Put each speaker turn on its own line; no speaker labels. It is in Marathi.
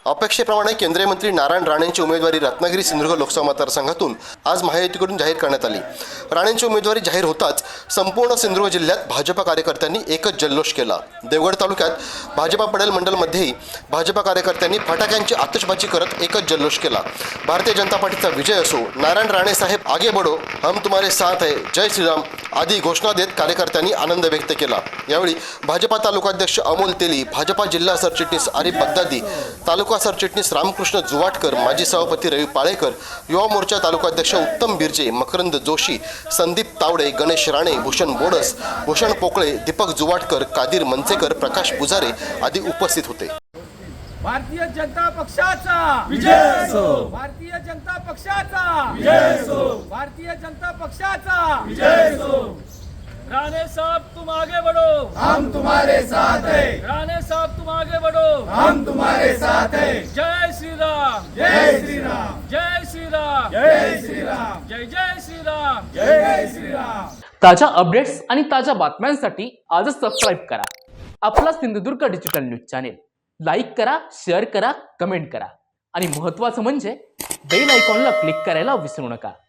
अपेक्षेप्रमाणे केंद्रीय मंत्री नारायण राणेंची उमेदवारी रत्नागिरी सिंधुदुर्ग लोकसभा मतदारसंघातून आज महायुतीकडून जाहीर करण्यात आली। राणेंची उमेदवारी जाहीर होताच संपूर्ण सिंधुदुर्ग जिल्ह्यात भाजपा कार्यकर्त्यांनी एकच जल्लोष केला। देवगड तालुक्यात भाजपा पडेल मंडलमध्येही भाजपा कार्यकर्त्यांनी फटाक्यांची आतषबाजी करत एकच जल्लोष केला। भारतीय जनता पार्टीचा विजय असो, नारायण राणे साहेब आगे बढ़ो, हम तुम्हारे साथ है, जय श्रीराम आदी घोषणा देत कार्यकर्त्यांनी आनंद व्यक्त केला। यावेळी भाजपा तालुकाध्यक्ष अमोल तेली, भाजपा जिल्हा सरचिटणीस आरिफ बगदादी, तालुका सरचिटणीस रामकृष्ण जुवाटकर, माजी सभापती रवी पाळेकर, युवा मोर्चा तालुकाध्यक्ष उत्तम बिर्जे, मकरंद जोशी, संदीप तावडे, गणेश राणे, भूषण बोडस, भूषण पोकळे, दीपक जुवाटकर, कादिर मनसेकर, प्रकाश पुजारे आदी उपस्थित होते।
भारतीय जनता पक्षाचा विजय असो, भारतीय जनता पक्षाचा विजय असो, भारतीय जनता पक्षाचा विजय असो। राणे साहब तुम आगे बढ़ो, हम तुम्हारे साथ हैं। राणे साहब तुम आगे बढ़ो, हम तुम्हारे साथ हैं। जय श्री राम, जय श्री राम, जय श्री राम, जय श्री राम, जय जय श्री राम, जय जय श्री राम।
ताजा अपडेट्स आणि ताजा बातम्यांसाठी आजच सबस्क्राइब करा आपला Sindhudurg digital news channel. Like करा, शेअर करा, कमेंट करा आणि महत्त्वाचं म्हणजे बेल आयकॉनला क्लिक करायला विसरू नका।